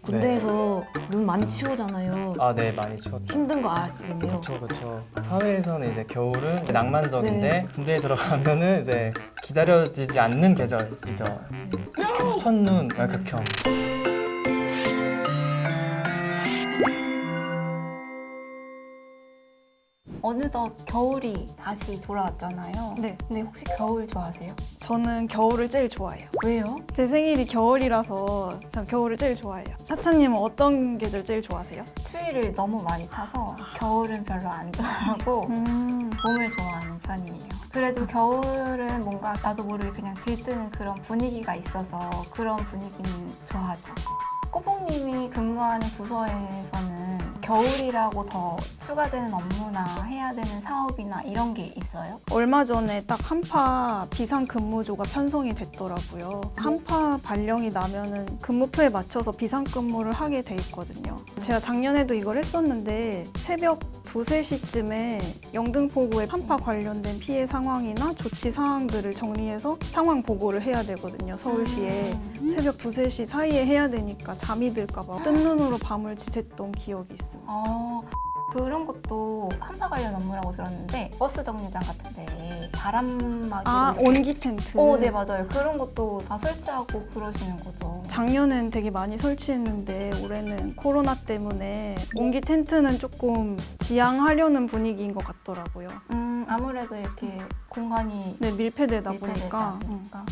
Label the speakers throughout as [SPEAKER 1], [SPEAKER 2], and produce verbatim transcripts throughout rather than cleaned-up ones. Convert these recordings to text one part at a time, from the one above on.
[SPEAKER 1] 군대에서 눈 많이 치우잖아요.
[SPEAKER 2] 아, 네, 많이 추웠죠.
[SPEAKER 1] 힘든 거 아시겠네요.
[SPEAKER 2] 그렇죠, 그렇죠. 사회에서는 이제 겨울은 낭만적인데
[SPEAKER 1] 네.
[SPEAKER 2] 군대에 들어가면은 이제 기다려지지 않는 계절이죠. 첫눈, 아, 극혐.
[SPEAKER 3] 어느덧 겨울이 다시 돌아왔잖아요.
[SPEAKER 4] 네,
[SPEAKER 3] 근데 혹시 겨울 좋아하세요?
[SPEAKER 4] 저는 겨울을 제일 좋아해요.
[SPEAKER 3] 왜요?
[SPEAKER 4] 제 생일이 겨울이라서 전 겨울을 제일 좋아해요. 사차님은 어떤 계절 제일 좋아하세요?
[SPEAKER 3] 추위를 너무 많이 타서 겨울은 별로 안 좋아하고
[SPEAKER 4] 음,
[SPEAKER 3] 봄을 좋아하는 편이에요. 그래도 겨울은 뭔가 나도 모르게 그냥 들뜨는 그런 분위기가 있어서 그런 분위기는 좋아하죠. 꼬봉님이 근무하는 부서에서는 겨울이라고 더 추가되는 업무나 해야 되는 사업이나 이런 게 있어요?
[SPEAKER 4] 얼마 전에 딱 한파 비상근무조가 편성이 됐더라고요. 한파 발령이 나면은 근무표에 맞춰서 비상근무를 하게 돼 있거든요. 제가 작년에도 이걸 했었는데 새벽 두세 시쯤에 영등포구의 한파 관련된 피해 상황이나 조치 사항들을 정리해서 상황 보고를 해야 되거든요, 서울시에. 새벽 두세 시 사이에 해야 되니까 잠이 들까봐 뜬 눈으로 밤을 지샜던 기억이 있습니다.
[SPEAKER 3] 어, 그런 것도 한파 관련 업무라고 들었는데 버스 정류장 같은 데 바람막이
[SPEAKER 4] 아, 온기 텐트.
[SPEAKER 3] 어, 네 맞아요. 그런 것도 다 설치하고 그러시는 거죠.
[SPEAKER 4] 작년엔 되게 많이 설치했는데 올해는 코로나 때문에 온기 텐트는 조금 지양하려는 분위기인 것 같더라고요.
[SPEAKER 3] 음, 아무래도 이렇게 공간이
[SPEAKER 4] 네, 밀폐되다
[SPEAKER 3] 밀폐되다
[SPEAKER 4] 보니까. 음.
[SPEAKER 3] 보니까.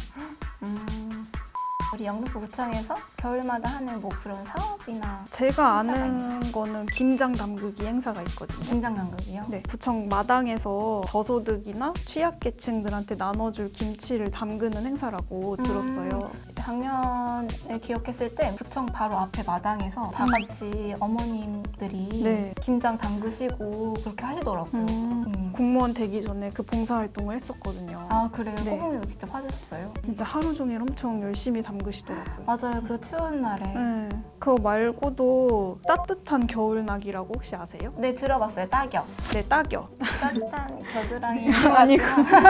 [SPEAKER 3] 음, 우리 영등포구청에서 겨울마다 하는 뭐 그런 사업이나
[SPEAKER 4] 제가
[SPEAKER 3] 행사가
[SPEAKER 4] 아는 거는 김장 담그기 행사가 있거든요.
[SPEAKER 3] 김장 간극이요?
[SPEAKER 4] 네, 구청 마당에서 저소득이나 취약계층들한테 나눠줄 김치를 담그는 행사라고
[SPEAKER 3] 음.
[SPEAKER 4] 들었어요.
[SPEAKER 3] 작년을 기억했을 때 구청 바로 앞에 마당에서 다 같이 어머님들이
[SPEAKER 4] 네.
[SPEAKER 3] 김장 담그시고 그렇게 하시더라고요.
[SPEAKER 4] 음,
[SPEAKER 3] 음.
[SPEAKER 4] 공무원 되기 전에 그 봉사활동을 했었거든요.
[SPEAKER 3] 아 그래요?
[SPEAKER 4] 네.
[SPEAKER 3] 꼬봉님도 직접 하셨어요?
[SPEAKER 4] 진짜 하루 종일 엄청 열심히 담그시더라고요.
[SPEAKER 3] 맞아요. 그 추운 날에.
[SPEAKER 4] 네. 그거 말고도 따뜻한 겨울나기라고 혹시 아세요?
[SPEAKER 3] 네 들어봤어요. 딱이요.
[SPEAKER 4] 네, 딱이요.
[SPEAKER 3] 따뜻한 겨드랑이
[SPEAKER 4] 아니고.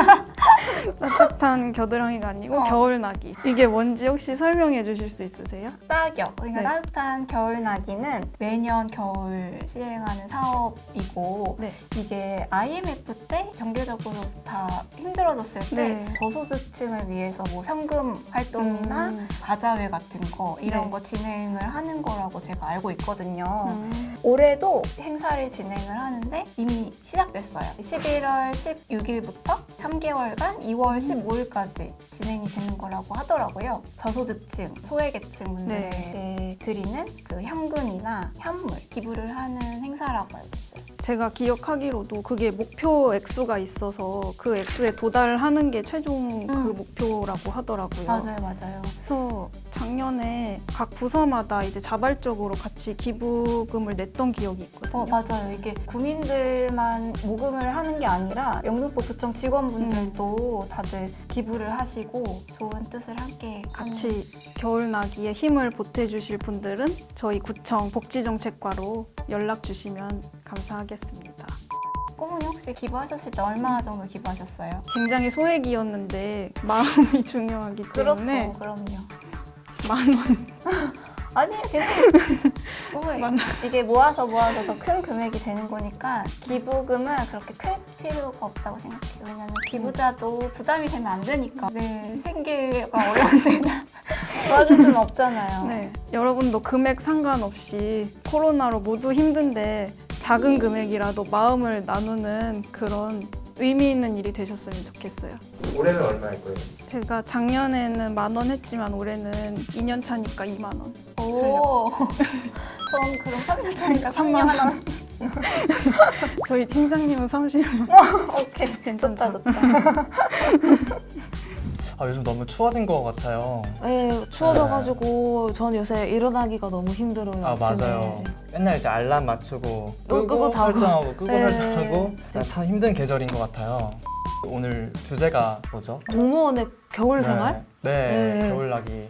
[SPEAKER 4] 따뜻한 겨드랑이가 아니고
[SPEAKER 3] 어.
[SPEAKER 4] 겨울나기. 이게 뭔지 혹시 설명해 주실 수 있으세요?
[SPEAKER 3] 딱이요. 그러니까
[SPEAKER 4] 네.
[SPEAKER 3] 따뜻한 겨울나기는 매년 겨울 시행하는 사업이고
[SPEAKER 4] 네.
[SPEAKER 3] 이게 아이엠에프 때 경제적으로 다 힘들어졌을 때
[SPEAKER 4] 네.
[SPEAKER 3] 저소득층을 위해서 뭐 상금 활동이나
[SPEAKER 4] 음.
[SPEAKER 3] 바자회 같은 거 이런
[SPEAKER 4] 네.
[SPEAKER 3] 거 진행을 하는 거라고 제가 알고 있거든요.
[SPEAKER 4] 음.
[SPEAKER 3] 올해도 행사를 진행을 하는데 이미 시작됐어요. 십일월 십육일부터 삼 개월간 이월 십오일까지 진행이 되는 거라고 하더라고요. 저소득층, 소외계층 분들에게
[SPEAKER 4] 네.
[SPEAKER 3] 드리는 그 현금이나 현물 기부를 하는 행사라고 알고 있어요.
[SPEAKER 4] 제가 기억하기로도 그게 목표 액수가 있어서 그 액수에 도달하는 게 최종 그
[SPEAKER 3] 음.
[SPEAKER 4] 목표라고 하더라고요.
[SPEAKER 3] 맞아요, 맞아요.
[SPEAKER 4] 그래서 작년에 각 부서마다 이제 자발적으로 같이 기부금을 냈던 기억이 있거든요.
[SPEAKER 3] 어, 맞아요. 이게 구민들만 모금을 하는 게 아니라 영등포구청 직원분들도 다들 기부를 하시고 좋은 뜻을 함께
[SPEAKER 4] 같이 겨울나기에 힘을 보태주실 분들은 저희 구청 복지정책과로 연락 주시면 감사하겠습니다.
[SPEAKER 3] 꼬문이 혹시 기부하셨을 때 얼마 정도 기부하셨어요?
[SPEAKER 4] 굉장히 소액이었는데 마음이 중요하기 때문에
[SPEAKER 3] 그렇죠, 그럼요.
[SPEAKER 4] 만 원.
[SPEAKER 3] 아니에요, 괜찮아요. 꼬문이
[SPEAKER 4] 만
[SPEAKER 3] 이게 모아서 모아서 더 큰 금액이 되는 거니까 기부금은 그렇게 클 필요가 없다고 생각해요. 왜냐면 기부자도 부담이 되면 안 되니까. 네, 생계가 어려운 데는 도와줄 수는 없잖아요.
[SPEAKER 4] 네, 여러분도 금액 상관없이 코로나로 모두 힘든데 작은 금액이라도 마음을 나누는 그런 의미 있는 일이 되셨으면 좋겠어요.
[SPEAKER 2] 올해는 얼마일 거예요?
[SPEAKER 4] 제가 작년에는 만 원 했지만 올해는 이 년 차니까 이만 원.
[SPEAKER 3] 오, 전 그럼 삼 년 차니까
[SPEAKER 4] 삼만
[SPEAKER 3] 삼만 원.
[SPEAKER 4] 저희 팀장님은 삼십만 원.
[SPEAKER 3] 오케이,
[SPEAKER 4] 괜찮죠?
[SPEAKER 3] 좋다, 좋다.
[SPEAKER 2] 아, 요즘 너무 추워진 것 같아요.
[SPEAKER 1] 네, 추워져가지고 전 요새 일어나기가 너무 힘들어요.
[SPEAKER 2] 아,
[SPEAKER 1] 아침에.
[SPEAKER 2] 맞아요. 맨날 이제 알람 맞추고
[SPEAKER 1] 또
[SPEAKER 2] 끄고,
[SPEAKER 1] 끄고 자고.
[SPEAKER 2] 설정하고 끄고
[SPEAKER 1] 네.
[SPEAKER 2] 설정하고 참 힘든 계절인 것 같아요. 오늘 주제가 뭐죠?
[SPEAKER 1] 공무원의 겨울 생활?
[SPEAKER 2] 네, 네,
[SPEAKER 1] 네.
[SPEAKER 2] 겨울나기.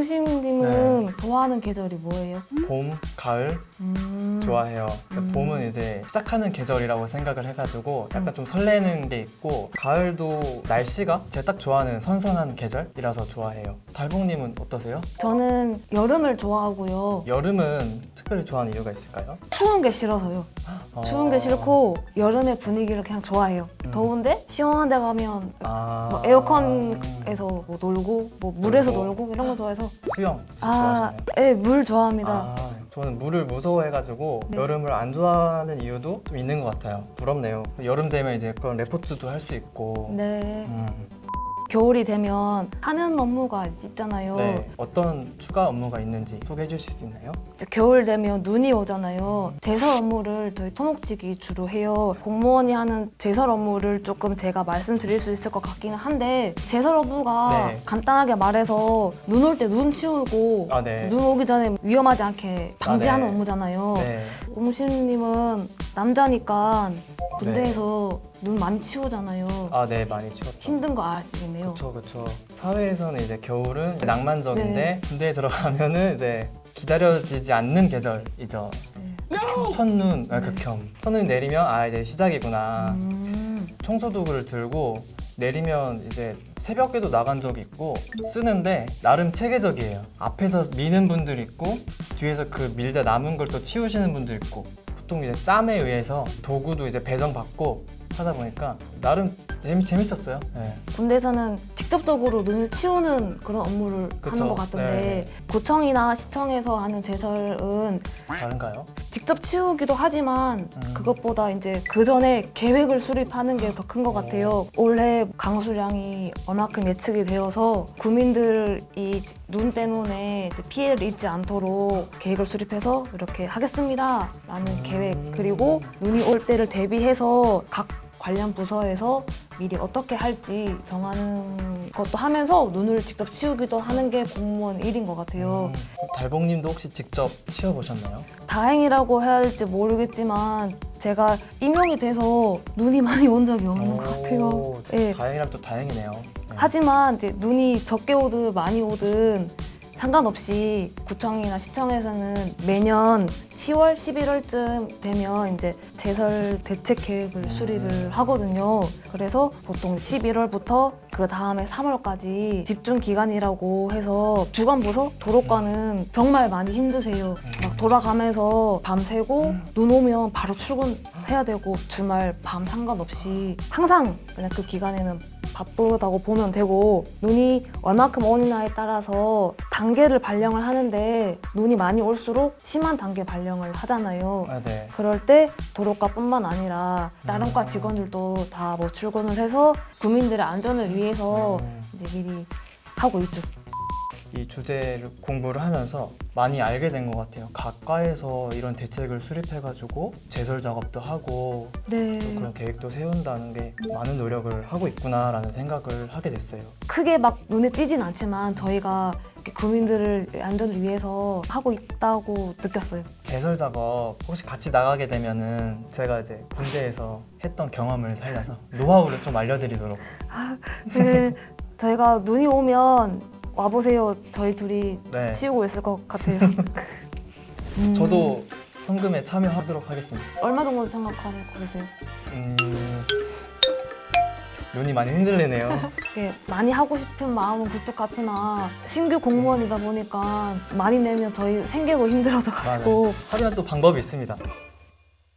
[SPEAKER 1] 옹심님은
[SPEAKER 2] 네.
[SPEAKER 1] 좋아하는 계절이 뭐예요?
[SPEAKER 2] 봄, 가을
[SPEAKER 1] 음.
[SPEAKER 2] 좋아해요.
[SPEAKER 1] 음.
[SPEAKER 2] 봄은 이제 시작하는 계절이라고 생각을 해가지고 약간
[SPEAKER 1] 음.
[SPEAKER 2] 좀 설레는 게 있고, 가을도 날씨가 제가 딱 좋아하는 선선한 계절이라서 좋아해요. 달봉님은 어떠세요?
[SPEAKER 1] 저는 여름을 좋아하고요.
[SPEAKER 2] 여름은 특별히 좋아하는 이유가 있을까요?
[SPEAKER 1] 추운 게 싫어서요. 추운 게 싫고 여름의 분위기를 그냥 좋아해요.
[SPEAKER 2] 음.
[SPEAKER 1] 더운데 시원한 데 가면
[SPEAKER 2] 아...
[SPEAKER 1] 뭐 에어컨에서 뭐 놀고 뭐 물에서
[SPEAKER 2] 놀고.
[SPEAKER 1] 놀고 이런 거 좋아해서
[SPEAKER 2] 수영 진짜
[SPEAKER 1] 아,
[SPEAKER 2] 좋아하시나요?
[SPEAKER 1] 네, 물 좋아합니다.
[SPEAKER 2] 아, 저는 물을 무서워해가지고
[SPEAKER 1] 네.
[SPEAKER 2] 여름을 안 좋아하는 이유도 좀 있는 것 같아요. 부럽네요. 여름 되면 이제 그런 레포트도 할 수 있고.
[SPEAKER 1] 네.
[SPEAKER 2] 음,
[SPEAKER 1] 겨울이 되면 하는 업무가 있잖아요.
[SPEAKER 2] 네. 어떤 추가 업무가 있는지 소개해 주실 수 있나요?
[SPEAKER 1] 이제 겨울 되면 눈이 오잖아요. 제설 업무를 저희 토목직이 주로 해요. 공무원이 하는 제설 업무를 조금 제가 말씀드릴 수 있을 것 같기는 한데 제설 업무가
[SPEAKER 2] 네.
[SPEAKER 1] 간단하게 말해서 눈 올 때 눈 치우고
[SPEAKER 2] 아, 네.
[SPEAKER 1] 눈 오기 전에 위험하지 않게 방지하는
[SPEAKER 2] 아, 네.
[SPEAKER 1] 업무잖아요.
[SPEAKER 2] 네.
[SPEAKER 1] 옹심님은 남자니까 군대에서 눈 많이 치우잖아요.
[SPEAKER 2] 아, 네. 많이 추웠죠.
[SPEAKER 1] 힘든 거 아시겠네요.
[SPEAKER 2] 그쵸, 그쵸. 사회에서는 이제 겨울은 낭만적인데
[SPEAKER 1] 네.
[SPEAKER 2] 군대에 들어가면은 이제 기다려지지 않는 계절이죠.
[SPEAKER 1] 네.
[SPEAKER 2] 첫눈, 아, 극혐. 첫눈이 내리면 아, 이제 시작이구나.
[SPEAKER 1] 음.
[SPEAKER 2] 청소도구를 들고 내리면 이제 새벽에도 나간 적이 있고 쓰는데 나름 체계적이에요. 앞에서 미는 분들 있고 뒤에서 그 밀다 남은 걸 또 치우시는 분도 있고 보통 이제 짬에 의해서 도구도 이제 배정받고 하다 보니까 나름 재미, 재밌었어요. 네.
[SPEAKER 1] 군대에서는 직접적으로 눈을 치우는 그런 업무를
[SPEAKER 2] 그쵸.
[SPEAKER 1] 하는 것 같던데
[SPEAKER 2] 네.
[SPEAKER 1] 구청이나 시청에서 하는 제설은
[SPEAKER 2] 다른가요?
[SPEAKER 1] 직접 치우기도 하지만
[SPEAKER 2] 음.
[SPEAKER 1] 그것보다 이제 그 전에 계획을 수립하는 게 더 큰 것 같아요. 올해 강수량이 얼마큼 예측이 되어서 구민들이 눈 때문에 이제 피해를 입지 않도록 계획을 수립해서 이렇게 하겠습니다 라는 계획, 그리고 눈이 올 때를 대비해서 각 관련 부서에서 미리 어떻게 할지 정하는 것도 하면서 눈을 직접 치우기도 하는 게 공무원 일인 것 같아요.
[SPEAKER 2] 음, 달봉님도 혹시 직접 치워보셨나요?
[SPEAKER 1] 다행이라고 해야 할지 모르겠지만 제가 임용이 돼서 눈이 많이 온 적이 없는 것 같아요.
[SPEAKER 2] 오,
[SPEAKER 1] 예.
[SPEAKER 2] 다행이란 또 다행이네요. 네.
[SPEAKER 1] 하지만 이제 눈이 적게 오든 많이 오든 상관없이 구청이나 시청에서는 매년 시월, 십일월쯤 되면 이제 제설 대책 계획을
[SPEAKER 2] 음.
[SPEAKER 1] 수립을 하거든요. 그래서 보통 십일월부터 그 다음에 삼월까지 집중 기간이라고 해서 주간부서 도로과는 정말 많이 힘드세요. 막 돌아가면서 밤새고 눈 오면 바로 출근해야 되고 주말 밤 상관없이 항상 그냥 그 기간에는 바쁘다고 보면 되고, 눈이 얼마큼 오느냐에 따라서 단계를 발령을 하는데 눈이 많이 올수록 심한 단계 발령을 하잖아요.
[SPEAKER 2] 아, 네.
[SPEAKER 1] 그럴 때 도로과뿐만 아니라 다른 과
[SPEAKER 2] 음.
[SPEAKER 1] 직원들도 다 뭐 출근을 해서 국민들의 안전을 위해서
[SPEAKER 2] 음.
[SPEAKER 1] 이제 미리 하고 있죠.
[SPEAKER 2] 이 주제를 공부를 하면서 많이 알게 된 것 같아요. 각 과에서 이런 대책을 수립해가지고 제설 작업도 하고
[SPEAKER 1] 네.
[SPEAKER 2] 또 그런 계획도 세운다는 게 많은 노력을 하고 있구나라는 생각을 하게 됐어요.
[SPEAKER 1] 크게 막 눈에 띄진 않지만 저희가 이렇게 국민들을 안전을 위해서 하고 있다고 느꼈어요.
[SPEAKER 2] 제설 작업 혹시 같이 나가게 되면은 제가 이제 군대에서 했던 경험을 살려서 노하우를 좀 알려드리도록.
[SPEAKER 1] 네, 저희가 눈이 오면 와보세요. 저희 둘이
[SPEAKER 2] 네.
[SPEAKER 1] 치우고 있을 것 같아요. 음,
[SPEAKER 2] 저도 성금에 참여하도록 하겠습니다.
[SPEAKER 1] 얼마 정도 생각하고 계세요?
[SPEAKER 2] 음, 눈이 많이 흔들리네요.
[SPEAKER 1] 이게 많이 하고 싶은 마음은 굴뚝 같으나 신규 공무원이다 보니까 많이 내면 저희 생계도 힘들어져가지고
[SPEAKER 2] 하지만 또 방법이 있습니다.